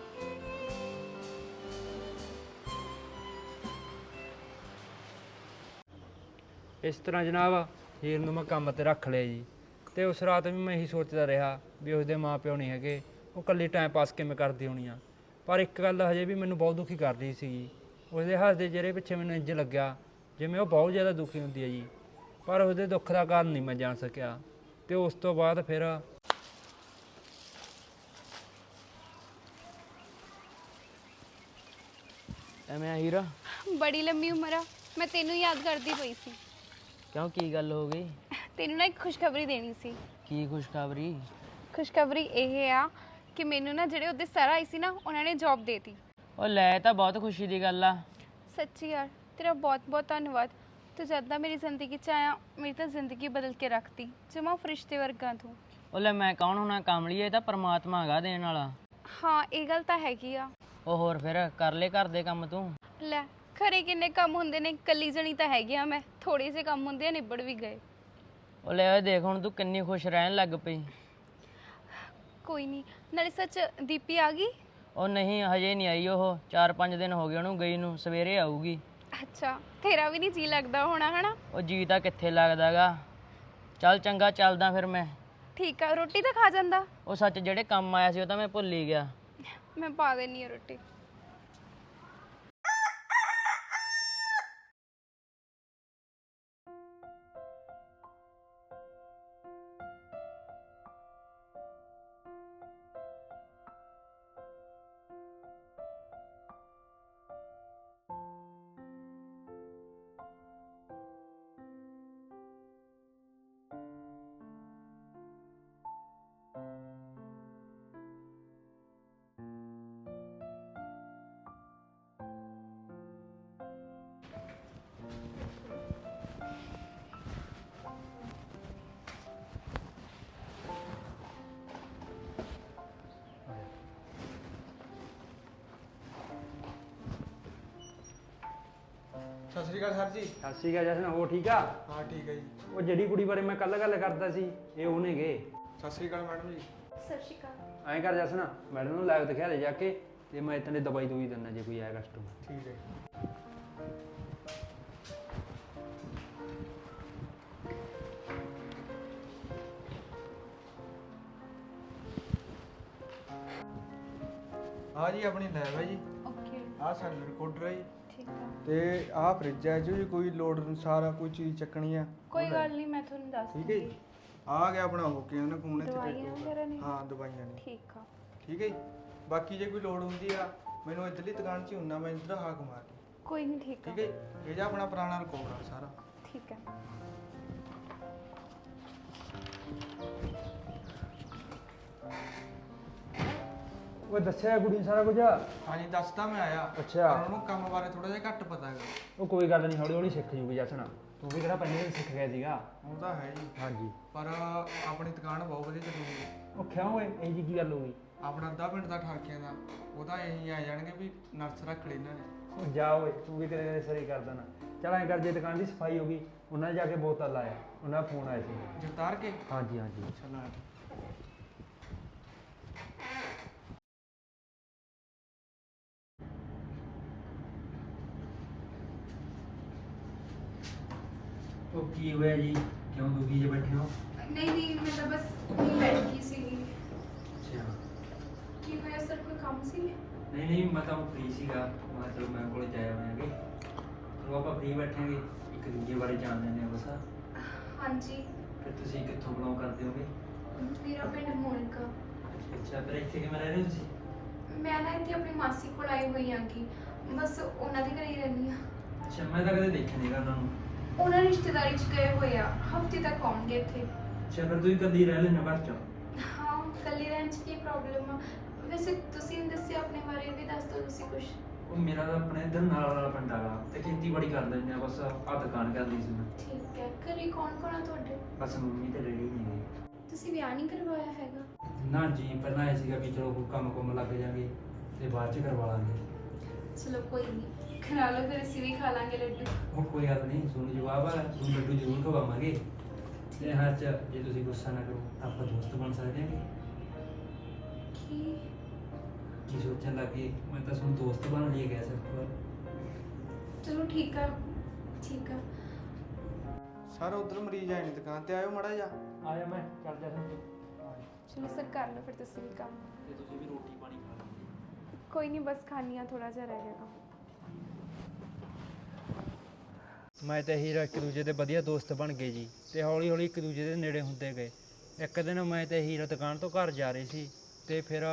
Speaker 3: ਇਸ ਤਰ੍ਹਾਂ ਜਨਾਬ ਹੀਰ ਨੂੰ ਮੈਂ ਕੰਮ ਤੇ ਰੱਖ ਲਿਆ ਜੀ, ਤੇ ਉਸ ਰਾਤ ਵੀ ਮੈਂ ਇਹੀ ਸੋਚਦਾ ਰਿਹਾ ਵੀ ਉਸਦੇ ਮਾਂ ਪਿਓ ਨਹੀਂ ਹੈਗੇ, ਉਹ ਇਕੱਲੀ ਟਾਈਮ ਪਾਸ ਕਿਵੇਂ ਕਰਦੀ ਹੋਣੀ ਆ। ਪਰ ਇੱਕ ਗੱਲ ਹਜੇ ਵੀ ਮੈਨੂੰ ਬਹੁਤ ਦੁਖੀ ਕਰ ਰਹੀ ਸੀਗੀ, ਉਸਦੇ ਹੱਸਦੇ ਚਿਹਰੇ ਪਿੱਛੇ ਮੈਨੂੰ ਇੰਝ ਲੱਗਿਆ ਜਿਵੇਂ ਉਹ ਬਹੁਤ ਜ਼ਿਆਦਾ ਦੁਖੀ ਹੁੰਦੀ ਹੈ ਜੀ, ਪਰ ਉਹਦੇ ਦੁੱਖ ਦਾ ਕਾਰਨ ਨਹੀਂ ਮੈਂ ਜਾਣ ਸਕਿਆ। ਤੇ ਉਸ ਤੋਂ ਬਾਅਦ ਫਿਰ
Speaker 4: ਐਵੇਂ ਆ ਹੀਰਾ?
Speaker 5: ਬੜੀ ਲੰਮੀ ਉਮਰ ਆ, ਮੈਂ ਤੈਨੂੰ ਯਾਦ ਕਰਦੀ ਪਈ ਸੀ।
Speaker 4: ਕਿਉਂ, ਕੀ ਗੱਲ ਹੋ ਗਈ?
Speaker 5: ਤੈਨੂੰ ਨਾ ਇੱਕ ਖੁਸ਼ਖਬਰੀ ਦੇਣੀ ਸੀ।
Speaker 4: ਕੀ ਖੁਸ਼ਖਬਰੀ?
Speaker 5: ਖੁਸ਼ਖਬਰੀ ਇਹ ਆ ਕਿ ਮੈਨੂੰ ਨਾ ਜਿਹੜੇ ਉਹਦੇ ਸਰ ਆਈ ਸੀ ਨਾ, ਉਹਨਾਂ ਨੇ ਜੌਬ ਦੇਤੀ।
Speaker 4: ਉਹ ਲੈ, ਤਾਂ ਬਹੁਤ ਖੁਸ਼ੀ ਦੀ ਗੱਲ ਆ।
Speaker 5: ਸੱਚੀ ਯਾਰ, ਤੇਰਾ ਬਹੁਤ ਬਹੁਤ ਧੰਨਵਾਦ। ਤੂੰ ਜਦ ਦਾ ਮੇਰੀ ਜ਼ਿੰਦਗੀ 'ਚ ਆਇਆ, ਮੇਰੀ ਤਾਂ ਜ਼ਿੰਦਗੀ ਬਦਲ ਕੇ ਰੱਖਤੀ, ਜਮਾ ਫਰਿਸ਼ਤੇ ਵਰਗਾ ਤੂੰ।
Speaker 4: ਉਹ ਲੈ, ਮੈਂ ਕੌਣ ਹੋਣਾ ਕਾਮਲੀਏ, ਇਹ ਤਾਂ ਪਰਮਾਤਮਾ ਹੈਗਾ ਦੇਣ ਵਾਲਾ।
Speaker 5: ਹਾਂ, ਇਹ ਗੱਲ ਤਾਂ ਹੈਗੀ ਆ।
Speaker 4: ਉਹ ਹੋਰ ਫਿਰ ਕਰ ਲੈ ਘਰ ਦੇ ਕੰਮ ਤੂੰ।
Speaker 5: ਲੈ, ਘਰੇ ਕਿੰਨੇ ਕੰਮ ਹੁੰਦੇ ਨੇ, ਕੱਲੀ ਜਣੀ ਤਾਂ ਹੈਗੀ ਆ ਮੈਂ, ਥੋੜੇ ਜਿਹੇ ਕੰਮ ਹੁੰਦੇ ਆ, ਨਿਬੜ ਵੀ ਗਏ।
Speaker 4: ਉਹ ਲੈ, ਉਹ ਦੇਖ ਹੁਣ ਤੂੰ ਕਿੰਨੀ ਖੁਸ਼ ਰਹਿਣ ਲੱਗ ਪਈ।
Speaker 5: ਕੋਈ ਨਹੀਂ, ਨਾਲੇ ਸੱਚ ਦੀਪੀ ਆ ਗਈ?
Speaker 4: ਉਹ ਨਹੀਂ, ਹਜੇ ਨਹੀਂ ਆਈ, ਉਹ ਚਾਰ ਪੰਜ ਦਿਨ ਹੋ ਗਏ ਉਹਨੂੰ ਗਈ ਨੂੰ, ਸਵੇਰੇ ਆਊਗੀ।
Speaker 5: ਅੱਛਾ, ਤੇਰਾ ਵੀ ਨਹੀਂ ਜੀ ਲੱਗਦਾ ਹੋਣਾ ਹਨਾ?
Speaker 4: ਉਹ ਜੀ ਤਾਂ ਕਿੱਥੇ ਲੱਗਦਾਗਾ। ਚੱਲ ਚੰਗਾ, ਚੱਲਦਾ ਫਿਰ ਮੈਂ।
Speaker 5: ਠੀਕ ਆ, ਰੋਟੀ ਤਾਂ ਖਾ ਜਾਂਦਾ?
Speaker 4: ਉਹ ਸੱਚ, ਜਿਹੜੇ ਕੰਮ ਆਇਆ ਸੀ ਉਹ ਤਾਂ ਮੈਂ ਭੁੱਲ ਹੀ ਗਿਆ।
Speaker 5: ਮੈਂ ਪਾ ਦੇਣੀ ਆ ਰੋਟੀ।
Speaker 2: ਸਤਿ ਸ਼੍ਰੀ ਅਕਾਲ ਸਰ ਜੀ।
Speaker 3: ਸਤਿ ਸ਼੍ਰੀ ਅਕਾਲ ਜਸਨ, ਹੋ ਠੀਕ ਆ?
Speaker 2: ਹਾਂ ਠੀਕ ਹੈ ਜੀ।
Speaker 3: ਉਹ ਜਿਹੜੀ ਕੁੜੀ ਬਾਰੇ ਮੈਂ ਕੱਲ ਗੱਲ ਕਰਦਾ ਸੀ, ਇਹ ਉਹਨੇ ਗੇ।
Speaker 2: ਸਤਿ ਸ਼੍ਰੀ ਅਕਾਲ ਮੈਡਮ ਜੀ।
Speaker 5: ਸਤਿ ਸ਼੍ਰੀ ਅਕਾਲ।
Speaker 3: ਐਂ ਕਰ ਜਸਨ, ਮੈਡਮ ਨੂੰ ਲਾਈਵ ਦਿਖਾ ਦੇ ਜਾ ਕੇ, ਤੇ ਮੈਂ ਇਤਨੇ ਦਵਾਈ ਦੂਈ ਦਿੰਦਾ ਜੇ ਕੋਈ ਆਇਆ ਕਸਟਮਰ।
Speaker 2: ਠੀਕ ਹੈ। ਆ ਜੀ ਆਪਣੀ ਲੈਬ ਹੈ ਜੀ,
Speaker 5: ਓਕੇ,
Speaker 2: ਆ ਸਾਡਾ ਰਿਕਾਰਡਰ ਹੈ ਜੀ,
Speaker 5: ਠੀਕ ਆ।
Speaker 2: ਤੇ ਆਹ ਫ੍ਰਿਜ ਹੈ ਜੀ, ਕੋਈ ਲੋਡ ਅਨੁਸਾਰ ਕੋਈ ਚੀਜ਼ ਚੱਕਣੀ ਆ
Speaker 5: ਕੋਈ ਗੱਲ ਨਹੀਂ, ਮੈਂ ਤੁਹਾਨੂੰ ਦੱਸ
Speaker 2: ਠੀਕ ਹੈ ਜੀ। ਆ ਗਿਆ ਆਪਣਾ ਹੋ ਕੇ ਉਹਨੇ ਫੋਨ ਇੱਥੇ
Speaker 5: ਦਵਾਈਆਂ
Speaker 2: ਰੱਖਿਆ।
Speaker 5: ਵਗੈਰਾ ਨੇ?
Speaker 2: ਹਾਂ ਦਵਾਈਆਂ ਨੇ।
Speaker 5: ਠੀਕ ਆ।
Speaker 2: ਠੀਕ ਹੈ ਜੀ। ਬਾਕੀ ਜੇ ਕੋਈ ਲੋੜ ਹੁੰਦੀ ਆ, ਮੈਨੂੰ ਇੱਧਰਲੀ ਦੁਕਾਨ 'ਚ ਹੀ ਹੁੰਨਾ, ਮੈਂ ਇੱਧਰ ਹਾਕ ਮਾਰ ਲਈ।
Speaker 5: ਕੋਈ ਨਹੀਂ, ਠੀਕ ਆ।
Speaker 2: ਠੀਕ ਹੈ ਜੀ। ਇਹ ਜਾ ਆਪਣਾ ਪੁਰਾਣਾ ਰਿਕਾਰਡ ਆ ਸਾਰਾ।
Speaker 5: ਠੀਕ ਹੈ।
Speaker 3: ਉਹ ਦੱਸਿਆ ਕੁੜੀ ਨੂੰ ਸਾਰਾ ਕੁਝ?
Speaker 2: ਹਾਂਜੀ ਦੱਸਦਾ ਮੈਂ ਆਇਆ।
Speaker 3: ਅੱਛਾ।
Speaker 2: ਪਰ ਉਹਨੂੰ ਕੰਮ ਬਾਰੇ ਥੋੜਾ ਜਿਹਾ ਘੱਟ ਪਤਾ ਹੈਗਾ।
Speaker 3: ਉਹ ਕੋਈ ਗੱਲ ਨਹੀਂ, ਹੌਲੀ ਹੌਲੀ ਸਿੱਖ ਜੂਗੀ ਜਸਨ, ਤੂੰ ਵੀ ਕਿਹੜਾ ਪਹਿਲੇ ਦਿਨ ਸਿੱਖ ਗਿਆ ਸੀਗਾ।
Speaker 2: ਉਹ ਤਾਂ ਹੈ ਜੀ,
Speaker 3: ਹਾਂਜੀ।
Speaker 2: ਪਰ ਆਪਣੀ ਦੁਕਾਨ ਬਹੁਤ ਵਧੀਆ ਚੱਲੂਗੀ।
Speaker 3: ਉਹ ਕਿਉਂ ਓਏ, ਇਹ ਜੀ ਕੀ ਗੱਲ ਹੋ ਗਈ?
Speaker 2: ਆਪਣਾ ਅੱਧਾ ਪਿੰਡ ਦਾ ਠਾਕਿਆਂ ਦਾ, ਉਹਦਾ ਇਹੀ ਆ ਜਾਣਗੇ ਵੀ ਨਰਸ ਰੱਖ ਲਈ ਇਹਨਾਂ ਨੇ।
Speaker 3: ਉਹ ਜਾ ਓਏ ਤੂੰ ਵੀ ਕਦੇ ਕਦੇ ਸਰੀ ਕਰ ਦੇਣਾ। ਚੱਲ ਐਂ ਕਰ, ਜੇ ਦੁਕਾਨ ਦੀ ਸਫਾਈ ਹੋ ਗਈ ਉਹਨਾਂ ਨੇ ਜਾ ਕੇ ਬੋਤਲ ਲਾਇਆ, ਉਹਨਾਂ ਦਾ ਫੋਨ ਆਇਆ ਸੀ।
Speaker 6: ਜਗਤਾਰ ਕੇ
Speaker 3: ਹਾਂਜੀ ਹਾਂਜੀ
Speaker 6: ਚਲੋ
Speaker 3: ਉਹ ਕੀ ਹੋਇਆ ਜੀ, ਕਿਉਂ ਦੁਖੀ ਜੇ ਬੈਠੇ ਹੋ?
Speaker 5: ਨਹੀਂ ਨਹੀਂ ਮੈਂ ਤਾਂ ਬਸ ਨਹੀਂ ਬੈਠ ਗਈ ਸੀਗੀ।
Speaker 3: ਅੱਛਾ।
Speaker 5: ਕੀ ਹੋਇਆ ਸਰ, ਕੋਈ ਕੰਮ ਸੀ?
Speaker 3: ਨਹੀਂ ਨਹੀਂ ਮੈਂ ਤਾਂ ਫ੍ਰੀ ਸੀਗਾ, ਮੈਂ ਚਲੋ ਮੈਂ ਕੋਲ ਜਾਇਆ ਹੋਇਆਗੇ, ਚਲੋ ਆਪਾਂ ਫ੍ਰੀ ਬੈਠਾਂਗੇ, ਇੱਕ ਦੂਜੇ ਬਾਰੇ ਜਾਣ ਲੈਂਦੇ ਹਾਂ ਬਸ।
Speaker 5: ਹਾਂਜੀ।
Speaker 3: ਫਿਰ ਤੁਸੀਂ ਕਿੱਥੋਂ ਬਿਲੋਂਗ ਕਰਦੇ ਹੋਗੇ?
Speaker 5: ਮੇਰਾ ਪਿੰਡ ਮੋਨਿਕਾ।
Speaker 3: ਅੱਛਾ, ਫਿਰ ਇੱਥੇ ਕਿਵੇਂ ਰਹਿ ਰਹੇ ਹੋ ਤੁਸੀਂ?
Speaker 5: ਮੈਂ ਨਾ ਇੱਥੇ ਆਪਣੀ ਮਾਸੀ ਕੋਲ ਆਈ ਹੋਈ ਹਾਂ ਕਿ ਬਸ ਉਹਨਾਂ ਦੇ ਘਰੇ ਹੀ ਰਹਿੰਦੀ ਹਾਂ।
Speaker 3: ਅੱਛਾ, ਮੈਂ ਤਾਂ ਕਦੇ ਦੇਖਿਆ ਨਹੀਂਗਾ ਉਹਨਾਂ ਨੂੰ।
Speaker 5: ਉਹਨਾਂ ਰਿਸ਼ਤੇਦਾਰੀ 'ਚ ਗਏ ਹੋਏ ਆ, ਹਫਤੇ ਤੱਕ ਆਉਣਗੇ ਇੱਥੇ।
Speaker 3: ਅੱਛਾ, ਫਿਰ ਤੁਸੀਂ ਇਕੱਲੀ ਰਹਿ ਲੈਣਾ ਘਰ 'ਚ?
Speaker 5: ਹਾਂ, ਇਕੱਲੀ ਰਹਿਣ 'ਚ ਕੀ ਪ੍ਰੋਬਲਮ ਆ? ਵੈਸੇ ਤੁਸੀਂ ਨਹੀਂ ਦੱਸਿਆ ਆਪਣੇ ਬਾਰੇ, ਵੀ ਦੱਸ ਦਿਓ ਤੁਸੀਂ ਕੁਝ।
Speaker 3: ਉਹ ਮੇਰਾ ਤਾਂ ਆਪਣੇ ਇੱਧਰ ਨਾਲ ਵਾਲਾ ਪਿੰਡ ਆਗਾ ਤੇ ਖੇਤੀਬਾੜੀ ਕਰ ਲੈਂਦੇ ਆ, ਬਸ ਆਹ ਦੁਕਾਨ ਕਰ ਲਈ ਸੀ ਮੈਂ।
Speaker 5: ਠੀਕ ਹੈ। ਘਰੇ ਕੌਣ ਕੌਣ ਆ ਤੁਹਾਡੇ?
Speaker 3: ਬਸ ਮੰਮੀ ਤੇ ਡੈਡੀ ਨਹੀਂ ਗਏ।
Speaker 5: ਤੁਸੀਂ ਵਿਆਹ ਨਹੀਂ ਕਰਵਾਇਆ ਹੈਗਾ?
Speaker 3: ਨਾ ਜੀ, ਪਹਿਲਾਂ ਇਹ ਸੀਗਾ ਵੀ ਚਲੋ ਕੋਈ ਕੰਮ ਕੁੰਮ ਲੱਗ ਜਾਗੇ ਤੇ ਬਾਅਦ 'ਚ ਕਰਵਾ ਲਾਂਗੇ।
Speaker 5: ਚਲੋ ਕੋਈ ਨਹੀਂ, ਕਰਾ ਲਓ, ਫਿਰ ਅਸੀਂ ਵੀ ਖਾ ਲਾਂਗੇ ਲੱਡੂ।
Speaker 3: ਉਹ ਕੋਈ ਗੱਲ ਨਹੀਂ, ਤੁਹਾਨੂੰ ਜਵਾਬ ਆ, ਤੁਹਾਨੂੰ ਲੱਡੂ ਜ਼ਰੂਰ ਖਵਾਵਾਂਗੇ। ਤੇ ਹਰ ਚ ਜੇ ਤੁਸੀਂ ਗੁੱਸਾ ਨਾ ਕਰੋ ਤਾਂ ਆਪਾਂ ਦੋਸਤ ਬਣ ਸਕਦੇ ਹਾਂ।
Speaker 5: ਕੀ?
Speaker 3: ਕੀ ਸੋਚਣ ਲੱਗੇ? ਮੈਂ ਤਾਂ ਤੁਹਾਨੂੰ ਦੋਸਤ ਬਣ ਲਈ ਗਿਆ ਸਿਰਫ।
Speaker 5: ਚਲੋ ਠੀਕ ਆ, ਠੀਕ ਆ।
Speaker 6: ਸਰ ਉਧਰ ਮਰੀਜ਼ ਆਏ ਨੇ, ਦੁਕਾਨ ਤੇ ਆਇਓ ਮੜਾ ਜਾ।
Speaker 3: ਆਇਆ ਮੈਂ, ਚੱਲ ਜਾ
Speaker 5: ਚਲੋ ਸਰ, ਕਰ ਲਓ ਫਿਰ ਤੁਸੀਂ ਵੀ ਕੰਮ।
Speaker 3: ਤੇ ਤੁਸੀਂ ਵੀ ਰੋਟੀ ਪਾਣੀ ਖਾ ਲਓ।
Speaker 5: ਕੋਈ ਨਹੀਂ, ਬਸ ਖਾਣੀ ਆ, ਥੋੜਾ ਜਿਹਾ ਰਹਿ ਗਿਆ ਕੰਮ।
Speaker 3: ਮੈਂ ਤੇ ਹੀਰਾ ਇੱਕ ਦੂਜੇ ਦੇ ਵਧੀਆ ਦੋਸਤ ਬਣ ਗਏ ਜੀ, ਤੇ ਹੌਲੀ ਹੌਲੀ ਇੱਕ ਦੂਜੇ ਦੇ ਨੇੜੇ ਹੁੰਦੇ ਗਏ। ਇੱਕ ਦਿਨ ਮੈਂ ਤੇ ਹੀਰਾ ਦੁਕਾਨ ਤੋਂ ਘਰ ਜਾ ਰਹੇ ਸੀ ਤੇ ਫਿਰ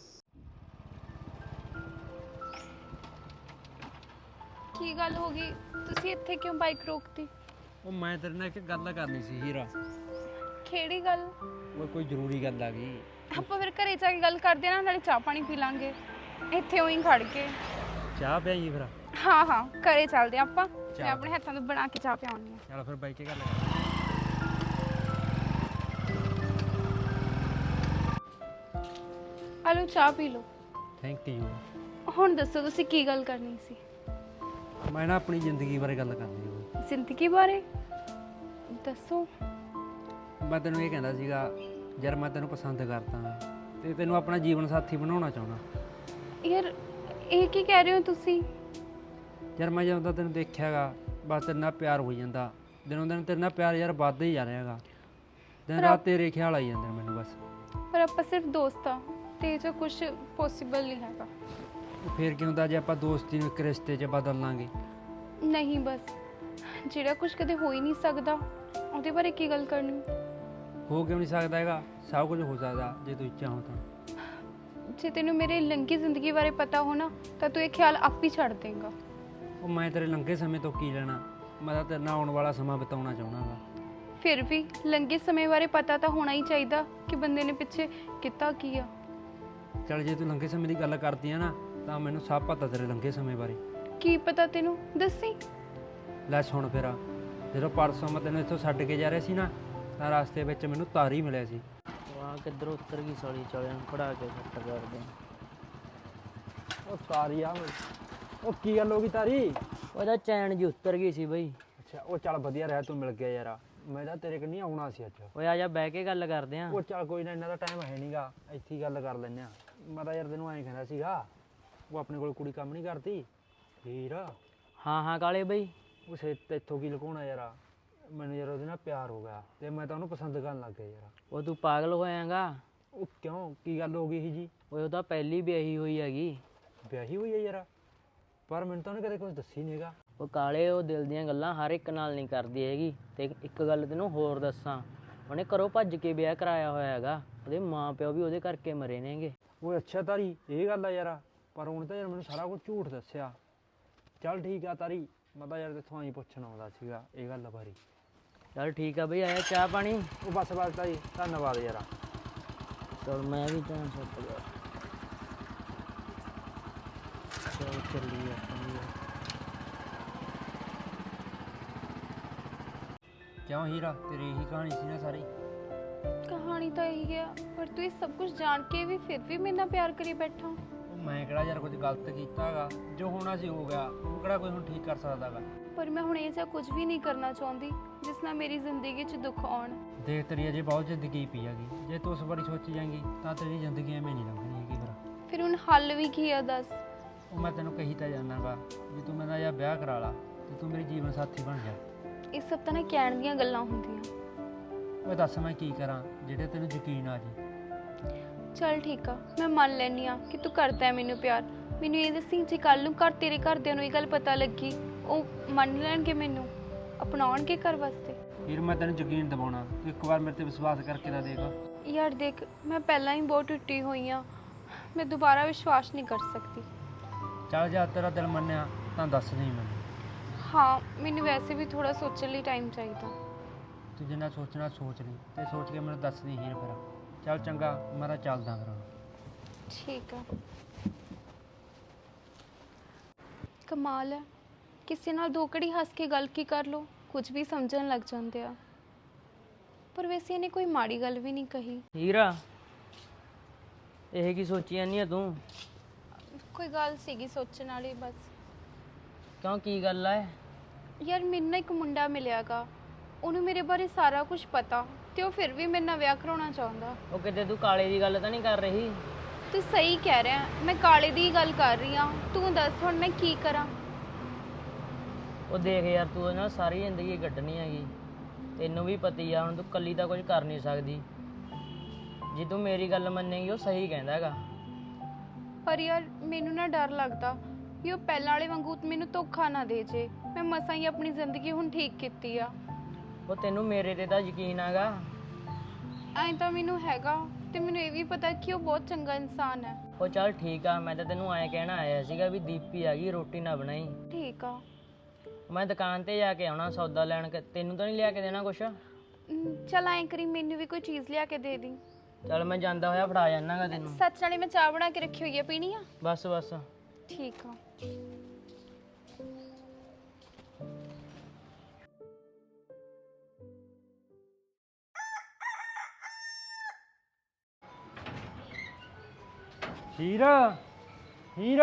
Speaker 5: ਕੀ ਗੱਲ ਹੋ ਗਈ? ਤੁਸੀਂ ਇੱਥੇ ਕਿਉਂ ਬਾਈਕ ਰੋਕਤੀ?
Speaker 3: ਉਹ ਮੈਂ ਤੇਰੇ ਨਾਲ ਇੱਕ ਗੱਲ ਕਰਨੀ ਸੀ ਹੀਰਾ।
Speaker 5: ਕਿਹੜੀ ਗੱਲ?
Speaker 3: ਉਹ ਕੋਈ ਜ਼ਰੂਰੀ ਗੱਲ ਆ ਗਈ।
Speaker 5: ਆਪਾਂ ਫਿਰ ਘਰੇ ਜਾ ਕੇ ਗੱਲ ਕਰਦੇ ਆ ਨਾ, ਨਾਲੇ ਚਾਹ ਪਾਣੀ ਪੀ ਲਾਂਗੇ ਇੱਥੇ ਉਹੀ ਖੜ ਕੇ।
Speaker 3: ਚਾਹ ਪਿਆਈ ਫਿਰ?
Speaker 5: ਹਾਂ ਹਾਂ, ਘਰੇ ਚੱਲਦੇ ਆ ਆਪਾਂ, ਮੈਂ ਆਪਣੇ ਹੱਥਾਂ ਤੋਂ ਬਣਾ ਕੇ ਚਾਹ ਪਿਆਉਣੀ ਆ।
Speaker 3: ਚਲ ਫਿਰ ਬਾਈ ਕੇ ਗੱਲ ਕਰ।
Speaker 5: ਆਲੋ ਚਾਹ ਪੀ ਲਓ।
Speaker 3: Thank you.
Speaker 5: ਹੁਣ ਦੱਸੋ ਤੁਸੀਂ ਕੀ ਗੱਲ ਕਰਨੀ ਸੀ?
Speaker 3: ਮੈਂ ਨਾ ਆਪਣੀ ਜ਼ਿੰਦਗੀ ਬਾਰੇ ਗੱਲ ਕਰਨੀ ਸੀ।
Speaker 5: ਜ਼ਿੰਦਗੀ ਬਾਰੇ ਦੱਸੋ।
Speaker 3: ਮੈਂ ਤੈਨੂੰ ਇਹ ਕਹਿੰਦਾ ਸੀਗਾ ਯਾਰ, ਮੈਂ ਤੈਨੂੰ ਪਸੰਦ ਕਰਦਾ ਤੇ ਤੈਨੂੰ ਆਪਣਾ ਜੀਵਨ ਸਾਥੀ ਬਣਾਉਣਾ ਚਾਹੁੰਦਾ।
Speaker 5: ਯਾਰ ਇਹ ਕੀ ਕਹਿ ਰਹੇ ਹੋ ਤੁਸੀਂ?
Speaker 3: ਯਾਰ ਮੈਂ ਜਦੋਂ ਦਾ ਤੈਨੂੰ ਦੇਖਿਆਗਾ ਬਸ ਤੇਰੇ ਨਾਲ ਪਿਆਰ ਹੋ ਜਾਂਦਾ, ਦਿਨੋਂ ਦਿਨ ਤੇਰੇ ਨਾਲ ਪਿਆਰ ਯਾਰ ਵੱਧਦਾ ਹੀ ਜਾ ਰਿਹਾ ਹੈਗਾ। ਦਿਨ ਰਾਤ ਤੇਰੇ ਖਿਆਲ ਆਈ ਜਾਂਦੇ ਨੇ ਮੈਨੂੰ ਬਸ।
Speaker 5: ਪਰ ਆਪਾਂ ਸਿਰਫ ਦੋਸਤ ਆ ਤੇ ਇਹ ਜੋ ਕੁਝ ਪੋਸੀਬਲ ਨਹੀਂ ਹੈਗਾ।
Speaker 3: ਫੇਰ ਕੀ ਹੁੰਦਾ ਜੇ ਆਪਾਂ ਦੋਸਤੀ ਨੂੰ ਇੱਕ ਰਿਸ਼ਤੇ 'ਚ ਬਦਲ ਲਾਂਗੇ?
Speaker 5: ਨਹੀਂ, ਬਸ ਜਿਹੜਾ ਕੁਝ ਕਦੇ ਹੋ ਹੀ ਨਹੀਂ ਸਕਦਾ ਉਹਦੇ ਬਾਰੇ ਕੀ ਗੱਲ ਕਰਨੀ?
Speaker 3: ਹੋ ਕਿਉਂ ਨਹੀਂ ਸਕਦਾ ਹੈਗਾ? ਸਭ ਕੁਝ ਹੋ ਸਕਦਾ ਜੇ ਤੂੰ ਚਾਹੋ ਤਾਂ।
Speaker 5: ਜੇ ਤੈਨੂੰ ਮੇਰੇ ਲੰਘੀ ਜ਼ਿੰਦਗੀ ਬਾਰੇ ਪਤਾ ਹੋ ਨਾ ਤਾਂ ਤੂੰ ਇਹ ਖਿਆਲ ਆਪ ਹੀ ਛੱਡ ਦੇਂਗਾ।
Speaker 3: ਉਹ ਮੈਂ ਤੇਰੇ ਲੰਘੇ ਸਮੇਂ ਤੋਂ ਕੀ ਲੈਣਾ, ਮੈਂ ਤਾਂ ਤੇਰੇ ਨਾਲ ਆਉਣ ਵਾਲਾ ਸਮਾਂ ਬਿਤਾਉਣਾ ਚਾਹੁੰਦਾ ਗਾ।
Speaker 5: ਫਿਰ ਵੀ ਲੰਘੇ ਸਮੇਂ ਬਾਰੇ ਪਤਾ ਤਾਂ ਹੋਣਾ ਹੀ ਚਾਹੀਦਾ ਕਿ ਬੰਦੇ ਨੇ ਪਿੱਛੇ ਕੀਤਾ ਕੀ ਆ।
Speaker 3: ਚੱਲ ਜੇ ਤੂੰ ਲੰਘੇ ਸਮੇਂ ਦੀ ਗੱਲ ਕਰਦੀ ਆ ਨਾ ਤਾਂ ਮੈਨੂੰ ਸਭ ਪਤਾ ਤੇਰੇ ਲੰਘੇ ਸਮੇਂ ਬਾਰੇ।
Speaker 5: ਕੀ ਪਤਾ ਤੈਨੂੰ? ਦੱਸੀ।
Speaker 3: ਲੈ ਸੁਣ ਫਿਰ, ਜਦੋਂ ਪਰਸੋਂ ਮੈਂ ਤੈਨੂੰ ਇੱਥੋਂ ਛੱਡ ਕੇ ਜਾ ਰਿਹਾ ਸੀ ਨਾ ਤਾਂ ਰਸਤੇ ਵਿੱਚ ਮੈਨੂੰ ਤਾਰੀ ਮਿਲਿਆ ਸੀ।
Speaker 4: ਵਾਹ, ਕਿੱਧਰੋਂ ਉੱਤਰ ਗਈ ਸਾਲੀ, ਚਲਿਆਂ ਨੂੰ ਪੜਾ ਕੇ ਸੱਟ ਕਰਦੇ।
Speaker 3: ਉਹ ਤਾਰੀ ਆ, ਉਹ ਕੀ ਗੱਲ ਹੋ ਗਈ ਤਾਰੀ?
Speaker 4: ਉਹਦਾ ਚੈਨ ਜੀ ਉੱਤਰ ਗਈ ਸੀ ਬਈ।
Speaker 3: ਅੱਛਾ, ਉਹ ਚੱਲ ਵਧੀਆ ਰਿਹਾ ਤੂੰ ਮਿਲ ਗਿਆ ਯਾਰ, ਮੈਂ ਤਾਂ ਤੇਰੇ ਕੋਲ ਨਹੀਂ ਆਉਣਾ ਸੀ ਅੱਜ।
Speaker 4: ਓਏ ਆ ਜਾ ਬਹਿ ਕੇ ਗੱਲ ਕਰਦੇ ਆਂ।
Speaker 3: ਉਹ ਚੱਲ ਕੋਈ ਨਾ, ਇਹਨਾਂ ਦਾ ਟਾਈਮ ਹੈ ਨਹੀਂਗਾ, ਇੱਥੇ ਹੀ ਗੱਲ ਕਰ ਲੈਂਦੇ ਆ। ਮੈਂ ਤਾਂ ਯਾਰ ਤੈਨੂੰ ਐਂ ਕਹਿੰਦਾ ਸੀਗਾ, ਉਹ ਆਪਣੇ ਕੋਲ ਕੁੜੀ ਕੰਮ ਨਹੀਂ ਕਰਦੀ ਹੀਰ?
Speaker 4: ਹਾਂ ਹਾਂ ਕਾਲੇ ਬਈ।
Speaker 3: ਉਹ ਸੇ ਇੱਥੋਂ ਕੀ ਲੁਕਾਉਣਾ ਯਾਰ, ਮੈਨੂੰ ਯਾਰ ਉਹਦੇ ਨਾਲ ਪਿਆਰ ਹੋ ਗਿਆ ਤੇ ਮੈਂ ਤਾਂ ਉਹਨੂੰ ਪਸੰਦ ਕਰਨ ਲੱਗ ਗਿਆ ਯਾਰ।
Speaker 4: ਉਹ ਤੂੰ ਪਾਗਲ ਹੋਇਆਗਾ?
Speaker 3: ਉਹ ਕਿਉਂ, ਕੀ ਗੱਲ ਹੋ ਗਈ ਸੀ ਜੀ?
Speaker 4: ਓਏ ਉਹਦਾ ਪਹਿਲੀ ਵਿਆਹੀ ਹੋਈ ਹੈਗੀ।
Speaker 3: ਵਿਆਹੀ ਹੋਈ ਹੈ ਯਾਰ? ਪਰ ਮੈਨੂੰ ਤਾਂ ਉਹਨੇ ਕਦੇ ਕੁਝ ਦੱਸੀ ਨਹੀਂ ਹੈਗਾ।
Speaker 4: ਉਹ ਕਾਲੇ, ਉਹ ਦਿਲ ਦੀਆਂ ਗੱਲਾਂ ਹਰ ਇੱਕ ਨਾਲ ਨਹੀਂ ਕਰਦੀ ਹੈਗੀ। ਤੇ ਇੱਕ ਗੱਲ ਤੈਨੂੰ ਹੋਰ ਦੱਸਾਂ, ਉਹਨੇ ਘਰੋਂ ਭੱਜ ਕੇ ਵਿਆਹ ਕਰਾਇਆ ਹੋਇਆ ਹੈਗਾ। ਉਹਦੇ ਮਾਂ ਪਿਓ ਵੀ ਉਹਦੇ ਕਰਕੇ ਮਰੇ ਨੇਗੇ।
Speaker 3: ਉਹ ਅੱਛਾ ਤਾਰੀ, ਇਹ ਗੱਲ ਆ ਯਾਰ, ਪਰ ਉਹਨੇ ਤਾਂ ਯਾਰ ਮੈਨੂੰ ਸਾਰਾ ਕੁਝ ਝੂਠ ਦੱਸਿਆ। ਚੱਲ ਠੀਕ ਆ ਤਾਰੀ, ਮੈਂ ਤਾਂ ਯਾਰ ਤੇਥੋਂ ਆਈ ਪੁੱਛਣ ਆਉਂਦਾ ਸੀਗਾ ਇਹ ਗੱਲ ਬਾਰੇ।
Speaker 4: ਚੱਲ ਠੀਕ ਆ ਬਈ, ਆਇਆ ਚਾਹ ਪਾਣੀ?
Speaker 3: ਉਹ ਬਸ ਬਸ ਤਾਰੀ, ਧੰਨਵਾਦ ਯਾਰ।
Speaker 4: ਚਲ ਮੈਂ ਵੀ ਤਾਂ ਸੁੱਟ ਗਿਆ। ਚਲ ਚੱਲੀਏ ਆਪਾਂ ਵੀ।
Speaker 3: ਕਿਉਂ ਹੀਰਾ, ਤੇਰੀ ਇਹੀ ਕਹਾਣੀ ਸੀ ਨਾ ਸਾਰੀ?
Speaker 5: ਕਹਾਣੀ ਤਾਂ ਇਹੀ ਹੈ, ਪਰ ਤੂੰ ਇਹ ਸਭ ਕੁਝ ਜਾਣ ਕੇ ਵੀ ਫਿਰ ਵੀ ਮੇਰੇ ਨਾਲ ਪਿਆਰ ਕਰੀ ਬੈਠਾ।
Speaker 3: ਉਹ ਮੈਂ ਕਿਹੜਾ ਯਾਰ ਕੁਝ ਗਲਤ ਕੀਤਾ ਹੈਗਾ, ਜੋ ਹੋਣਾ ਸੀ ਹੋ ਗਿਆ, ਉਹ ਕਿਹੜਾ ਕੋਈ ਹੁਣ ਠੀਕ ਕਰ ਸਕਦਾ ਹੈਗਾ।
Speaker 5: ਪਰ ਮੈਂ ਹੁਣ ਇਹ ਜਿਹਾ ਕੁਝ ਵੀ ਨਹੀਂ ਕਰਨਾ ਚਾਹੁੰਦੀ ਜਿਸ ਨਾਲ ਮੇਰੀ ਜ਼ਿੰਦਗੀ 'ਚ ਦੁੱਖ ਆਉਣ।
Speaker 3: ਦੇਖ ਤੇਰੀ ਅਜੇ ਬਹੁਤ ਜ਼ਿੰਦਗੀ ਪਈ ਹੈਗੀ, ਜੇ ਤੂੰ ਉਸ ਬਾਰੇ ਸੋਚੀ ਜਾਏਂਗੀ ਤਾਂ ਤੇਰੀ ਜ਼ਿੰਦਗੀ ਐਵੇਂ ਨਹੀਂ ਲੰਘਣੀ ਹੈਗੀ ਫਿਰ।
Speaker 5: ਫਿਰ ਹੁਣ ਹੱਲ ਵੀ ਕੀ ਆ ਦੱਸ।
Speaker 3: ਉਹ ਮੈਂ ਤੈਨੂੰ ਕਹੀ ਤਾਂ ਜਾਣਾਗਾ ਵੀ ਤੂੰ ਮੇਰਾ ਜਾਂ ਵਿਆਹ ਕਰਾ ਲਾ ਤੇ ਤੂੰ ਮੇਰੀ ਜੀਵਨ ਸਾਥੀ ਬਣ ਜਾ।
Speaker 5: ਇਹ ਸਭ ਤਾਂ ਨਾ ਕਹਿਣ ਦੀਆਂ ਗੱਲਾਂ ਹੁੰਦੀਆਂ।
Speaker 3: ਉਹ ਦੱਸ ਮੈਂ ਕੀ ਕਰਾਂ ਜਿਹੜੇ ਤੈਨੂੰ ਯਕੀਨ ਆ ਜੀ।
Speaker 5: ਚੱਲ ਠੀਕ ਆ, ਮੈਂ ਮੰਨ ਲੈਂਦੀ ਆ ਕਿ ਤੂੰ ਕਰਦਾ ਹੈ ਮੈਨੂੰ ਪਿਆਰ। ਮੈਨੂੰ ਇਹ ਦੱਸੀ ਜੇ ਕੱਲ ਨੂੰ ਘਰ ਤੇਰੇ ਘਰਦਿਆਂ ਨੂੰ ਇਹ ਗੱਲ ਪਤਾ ਲੱਗੀ, ਉਹ ਮੰਨ ਲੈਣਗੇ ਮੈਨੂੰ, ਅਪਣਾਉਣਗੇ ਘਰ ਵਾਸਤੇ?
Speaker 3: ਫਿਰ ਮੈਂ ਤੈਨੂੰ ਯਕੀਨ ਦਿਵਾਉਣਾ, ਤੂੰ ਇੱਕ ਵਾਰ ਮੇਰੇ ਤੇ ਵਿਸ਼ਵਾਸ ਕਰਕੇ ਤਾਂ ਦੇਖ।
Speaker 5: ਯਾਰ ਦੇਖ, ਮੈਂ ਪਹਿਲਾਂ ਹੀ ਬਹੁਤ ਟੁੱਟੀ ਹੋਈ ਆ, ਮੈਂ ਦੁਬਾਰਾ ਵਿਸ਼ਵਾਸ ਨਹੀਂ ਕਰ ਸਕਦੀ।
Speaker 3: ਚੱਲ ਜਾ ਤੇਰਾ ਦਿਲ ਮੰਨਿਆ ਤਾਂ ਦੱਸ ਨਹੀਂ ਮੈਨੂੰ।
Speaker 5: ਹਾਂ, ਮੈਨੂੰ ਵੈਸੇ ਵੀ ਥੋੜਾ ਸੋਚਣ ਲਈ ਟਾਈਮ ਚਾਹੀਦਾ।
Speaker 3: ਤੂੰ ਜਿੰਨਾ ਸੋਚਣਾ ਸੋਚ ਲਈ ਤੇ ਸੋਚ ਕੇ ਮੈਨੂੰ ਦੱਸ ਦੀ ਹੀਰ ਫਿਰ। ਚੱਲ ਚੰਗਾ, ਮੇਰਾ ਚੱਲਦਾ ਫਿਰ।
Speaker 5: ਠੀਕ ਆ। ਕਮਾਲ ਹੈ, ਕਿਸੇ ਨਾਲ ਦੋ ਘੜੀ ਹੱਸ ਕੇ ਗੱਲ ਕੀ ਕਰ ਲੋ, ਕੁਝ ਵੀ ਸਮਝਣ ਲੱਗ ਜਾਂਦੇ ਆ। ਪਰ ਵੈਸੇ ਇਹਨੇ ਕੋਈ ਮਾੜੀ ਗੱਲ ਵੀ ਨਹੀਂ ਕਹੀ।
Speaker 4: ਹੀਰਾ, ਇਹ ਕੀ ਸੋਚੀ ਜਾਂਦੀ ਆ ਤੂੰ?
Speaker 5: ਕੋਈ ਗੱਲ ਸੀਗੀ ਸੋਚਣ ਵਾਲੀ ਬਸ।
Speaker 4: ਕਿਉਂ, ਕੀ ਗੱਲ ਆ?
Speaker 5: ਯਾਰ ਮੈਨੂੰ ਨਾ ਇੱਕ ਮੁੰਡਾ ਮਿਲਿਆਗਾ, ਉਹਨੂੰ ਮੇਰੇ ਬਾਰੇ ਸਾਰਾ ਕੁਝ ਪਤਾ ਤੇ ਉਹ ਫਿਰ ਵੀ ਮੇਰੇ ਨਾਲ ਵਿਆਹ ਕਰਾਉਣਾ ਚਾਹੁੰਦਾ।
Speaker 4: ਉਹ ਕਿਤੇ ਤੂੰ ਕਾਲੇ ਦੀ ਗੱਲ ਤਾਂ ਨਹੀਂ ਕਰ ਰਹੀ?
Speaker 5: ਤੂੰ ਸਹੀ ਕਹਿ ਰਿਹਾ, ਮੈਂ ਕਾਲੇ ਦੀ ਗੱਲ ਕਰ ਰਹੀ ਹਾਂ। ਤੂੰ ਦੱਸ ਹੁਣ ਮੈਂ ਕੀ ਕਰਾਂ?
Speaker 4: ਉਹ ਦੇਖ ਯਾਰ, ਤੂੰ ਉਹਦੇ ਨਾਲ ਸਾਰੀ ਜ਼ਿੰਦਗੀ ਕੱਢਣੀ ਹੈਗੀ, ਤੈਨੂੰ ਵੀ ਪਤੀ ਆ। ਹੁਣ ਤੂੰ ਇਕੱਲੀ ਤਾਂ ਕੁਝ ਕਰ ਨਹੀਂ ਸਕਦੀ। ਜੇ ਤੂੰ ਮੇਰੀ ਗੱਲ ਮੰਨੇਗੀ, ਉਹ ਸਹੀ ਕਹਿੰਦਾ ਹੈਗਾ।
Speaker 5: ਪਰ ਯਾਰ ਮੈਨੂੰ ਨਾ ਡਰ ਲੱਗਦਾ ਕਿ ਉਹ ਪਹਿਲਾਂ ਵਾਲੇ ਵਾਂਗੂ ਮੈਨੂੰ ਧੋਖਾ ਨਾ ਦੇ ਜੇ। ਮੈਂ ਮਸਾਂ ਹੀ ਆਪਣੀ ਜ਼ਿੰਦਗੀ ਹੁਣ ਠੀਕ ਕੀਤੀ ਆ।
Speaker 4: ਉਹ ਤੈਨੂੰ ਮੇਰੇ ਤੇ ਤਾਂ ਯਕੀਨ ਹੈਗਾ?
Speaker 5: ਐਂ ਤਾਂ ਮੈਨੂੰ ਹੈਗਾ, ਤੇ ਮੈਨੂੰ ਇਹ ਵੀ ਪਤਾ ਕਿ ਉਹ ਬਹੁਤ ਚੰਗਾ ਇਨਸਾਨ ਹੈ।
Speaker 4: ਉਹ ਚੱਲ ਠੀਕ ਆ, ਮੈਂ ਤਾਂ ਤੈਨੂੰ ਐਂ ਕਹਿਣਾ ਆਇਆ ਸੀਗਾ ਵੀ ਦੀਪੀ ਆ ਗਈ, ਰੋਟੀ ਨਾ ਬਣਾਈ।
Speaker 5: ਠੀਕ ਆ।
Speaker 4: ਮੈਂ ਦੁਕਾਨ ਤੇ ਜਾ ਕੇ ਆਉਣਾ ਸੌਦਾ ਲੈਣ, ਤੈਨੂੰ ਤਾਂ ਨਹੀਂ ਲਿਆ ਕੇ ਦੇਣਾ ਕੁਛ?
Speaker 5: ਅਮ, ਚੱਲ ਐਂ ਕਰੀ, ਮੈਨੂੰ ਵੀ ਕੋਈ ਚੀਜ਼ ਲਿਆ ਕੇ ਦੇ ਦੀ।
Speaker 4: ਚੱਲ ਮੈਂ ਜਾਂਦਾ ਹੋਇਆ ਫੜਾ ਜਾਣਾਗਾ ਤੈਨੂੰ।
Speaker 5: ਸੱਚ ਨਾਲੇ ਮੈਂ ਚਾਹ ਬਣਾ ਕੇ ਰੱਖੀ ਹੋਈ ਹੈ, ਪੀਣੀ ਆ?
Speaker 4: ਬਸ ਬਸ।
Speaker 5: ਠੀਕ ਆ।
Speaker 3: ਹੀਰ ਹੀਰ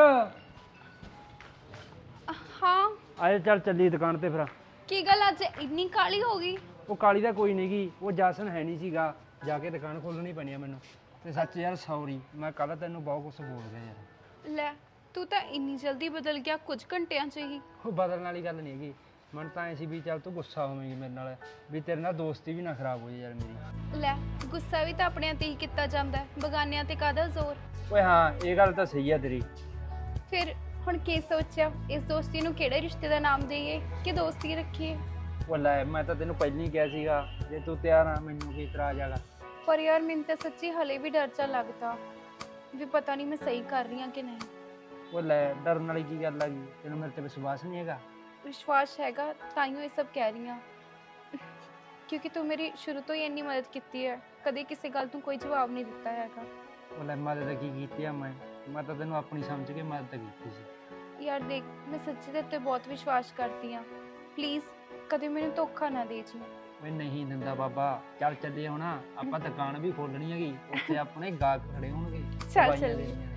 Speaker 5: ਹਾਂ,
Speaker 3: ਆਏ ਚੱਲ ਚੱਲੀ ਦੁਕਾਨ ਤੇ ਫਿਰ।
Speaker 5: ਕੀ ਗੱਲ ਅੱਜ ਇੰਨੀ ਕਾਲੀ ਹੋ ਗਈ?
Speaker 3: ਉਹ ਕਾਲੀ ਦਾ ਕੋਈ ਨਹੀਂ ਗੀ, ਉਹ ਜਸਨ ਹੈ ਨਹੀਂ ਸੀਗਾ, ਜਾ ਕੇ ਦੁਕਾਨ ਖੋਲਣੀ ਪੈਣੀ ਆ ਮੈਨੂੰ। ਤੇ ਸੱਚ ਯਾਰ ਸੌਰੀ, ਮੈਂ ਕੱਲ ਤੈਨੂੰ ਬਹੁਤ ਕੁਝ ਬੋਲ ਗਿਆ ਯਾਰ।
Speaker 5: ਲੈ, ਤੂੰ ਤਾਂ ਇੰਨੀ ਜਲਦੀ ਬਦਲ ਗਿਆ ਕੁਝ ਘੰਟਿਆਂ 'ਚ ਹੀ।
Speaker 3: ਉਹ ਬਦਲਣ ਵਾਲੀ ਗੱਲ ਨਹੀਂ ਹੈਗੀ, ਮਨ ਤਾਂ ਐ ਸੀ ਵੀ ਚੱਲ ਤੂੰ ਗੁੱਸਾ ਹੋਵੇਂਗੀ ਮੇਰੇ ਨਾਲ, ਵੀ ਤੇਰੇ ਨਾਲ ਦੋਸਤੀ ਵੀ ਨਾ ਖਰਾਬ ਹੋ ਜਾਏ ਯਾਰ ਮੇਰੀ।
Speaker 5: ਲੈ, ਗੁੱਸਾ ਵੀ ਤਾਂ ਆਪਣਿਆਂ ਤੇ ਹੀ ਕੀਤਾ ਜਾਂਦਾ ਹੈ, ਬਗਾਨਿਆਂ ਤੇ ਕਾਹਦਾ ਜ਼ੋਰ?
Speaker 3: ਓਏ ਹਾਂ, ਇਹ ਗੱਲ ਤਾਂ ਸਹੀ ਆ ਤੇਰੀ।
Speaker 5: ਫਿਰ ਹੁਣ ਕੀ ਸੋਚਿਆ, ਇਸ ਦੋਸਤੀ ਨੂੰ ਕਿਹੜੇ ਰਿਸ਼ਤੇ ਦਾ ਨਾਮ ਦੇਈਏ ਕਿ ਦੋਸਤੀ ਰੱਖੀਏ?
Speaker 3: ਉਹ ਲੈ, ਮੈਂ ਤਾਂ ਤੈਨੂੰ ਪਹਿਲਾਂ ਹੀ ਕਿਹਾ ਸੀਗਾ, ਜੇ ਤੂੰ ਤਿਆਰ ਆ ਮੈਨੂੰ ਕੀ ਇਤਰਾਜ਼ ਹੈਗਾ।
Speaker 5: ਪਰ ਯਾਰ ਮੈਨੂੰ ਤਾਂ ਸੱਚੀ ਹਲੇ ਵੀ ਡਰ ਚਾ ਲੱਗਦਾ ਵੀ ਪਤਾ ਨਹੀਂ ਮੈਂ ਸਹੀ ਕਰ ਰਹੀ ਹਾਂ ਕਿ ਨਹੀਂ।
Speaker 3: ਉਹ ਲੈ, ਡਰਨ ਵਾਲੀ ਕੀ ਗੱਲ ਆ ਗਈ, ਤੈਨੂੰ ਮੇਰੇ ਤੇ ਵਿਸ਼ਵਾਸ ਨਹੀਂ ਹੈਗਾ?
Speaker 5: ਵਿਸ਼ਵਾਸ ਹੈਗਾ, ਤਾਈਓ ਇਹ ਸਭ ਕਹਿ ਰਹੀ ਹਾਂ, ਕਿਉਂਕਿ ਤੂੰ ਮੇਰੀ ਸ਼ੁਰੂ ਤੋਂ ਹੀ ਇੰਨੀ ਮਦਦ ਕੀਤੀ ਹੈ, ਕਦੇ ਕਿਸੇ ਗੱਲ ਤੋਂ ਕੋਈ ਜਵਾਬ ਨਹੀਂ ਦਿੱਤਾ ਹੈਗਾ।
Speaker 3: ਉਹ ਲੈ, ਮਦਦ ਕੀ ਕੀਤੀ ਆ ਮੈਂ ਮੈਂ ਤਾਂ ਤੈਨੂੰ ਆਪਣੀ ਸਮਝ ਕੇ ਮਦਦ ਕੀਤੀ ਸੀ।
Speaker 5: ਯਾਰ ਦੇਖ, ਮੈਂ ਸੱਚੀ ਤੇਰੇ ਤੇ ਬਹੁਤ ਵਿਸ਼ਵਾਸ ਕਰਦੀ ਹਾਂ, ਪਲੀਜ਼ ਕਦੇ ਮੈਨੂੰ ਧੋਖਾ ਨਾ ਦੇ ਜੀ।
Speaker 3: ਮੈਂ ਨਹੀਂ ਦਿੰਦਾ ਬਾਬਾ। ਚੱਲ ਚੱਲੇ ਹੁਣ, ਆਪਾਂ ਦੁਕਾਨ ਵੀ ਖੋਲਣੀ ਹੈਗੀ, ਉੱਥੇ ਆਪਣੇ ਗਾਹਕ ਖੜੇ ਹੋਣਗੇ।
Speaker 5: ਚੱਲ
Speaker 3: ਦਵਾਈਆਂ
Speaker 5: ਚੱਲੀਏ।
Speaker 3: ਲੈਣੀਆਂ ਨੇ।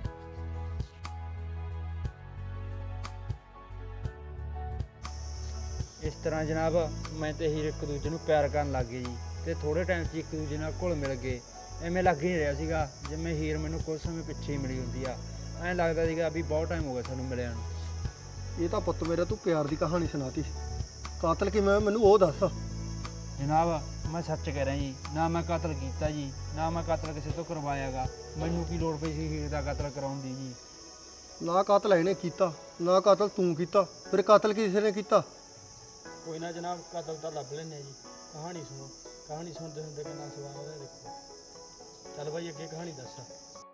Speaker 3: ਇਸ ਤਰ੍ਹਾਂ ਜਨਾਬ, ਮੈਂ ਤੇ ਹੀਰ ਇੱਕ ਦੂਜੇ ਨੂੰ ਪਿਆਰ ਕਰਨ ਲੱਗ ਗਏ ਜੀ, ਤੇ ਥੋੜੇ ਟਾਈਮ 'ਚ ਇੱਕ ਦੂਜੇ ਨਾਲ ਘੁਲ ਮਿਲ ਗਏ। ਐਵੇਂ ਲੱਗ ਹੀ ਨਹੀਂ ਰਿਹਾ ਸੀਗਾ ਜਿਵੇਂ ਹੀਰ ਮੈਨੂੰ ਕੁਝ ਸਮੇਂ ਪਿੱਛੇ ਹੀ ਮਿਲੀ ਹੁੰਦੀ ਆ। ਐਂ ਲੱਗਦਾ ਸੀਗਾ ਵੀ ਬਹੁਤ ਟਾਈਮ ਹੋ ਗਿਆ ਸਾਨੂੰ ਮਿਲਿਆ ਨੂੰ।
Speaker 2: ਇਹ ਤਾਂ ਪੁੱਤ ਮੇਰਾ ਤੂੰ ਪਿਆਰ ਦੀ ਕਹਾਣੀ ਸੁਣਾਤੀ, ਕਾਤਲ ਕਿਵੇਂ ਹੋਇਆ ਮੈਨੂੰ ਉਹ ਦੱਸ।
Speaker 3: ਜਨਾਬ, ਮੈਂ ਸੱਚ ਕਹਿ ਰਿਹਾ ਜੀ, ਨਾ ਮੈਂ ਕਤਲ ਕੀਤਾ ਜੀ, ਨਾ ਮੈਂ ਕਤਲ ਕਿਸੇ ਤੋਂ ਕਰਵਾਇਆਗਾ। ਮੈਨੂੰ ਕੀ ਲੋੜ ਪਈ ਸੀ ਹੀਰ ਦਾ ਕਤਲ ਕਰਾਉਣ ਦੀ ਜੀ?
Speaker 2: ਨਾ ਕਾਤਲ ਇਹਨੇ ਕੀਤਾ, ਨਾ ਕਾਤਲ ਤੂੰ ਕੀਤਾ, ਫਿਰ ਕਾਤਲ ਕਿਸੇ ਨੇ ਕੀਤਾ?
Speaker 3: ਕੋਈ ਨਾ ਜਨਾਬ, ਕਤਲ ਤਾਂ ਲੱਭ ਲੈਂਦੇ ਜੀ। ਕਹਾਣੀ ਸੁਣੋ, ਕਹਾਣੀ ਸੁਣਦੇ ਸੁਣਦੇ ਕਿੰਨਾ ਸਵਾਦ ਹੈ ਦੇਖੋ। ਚੱਲ ਬਾਈ, ਅੱਗੇ ਕਹਾਣੀ ਦੱਸ।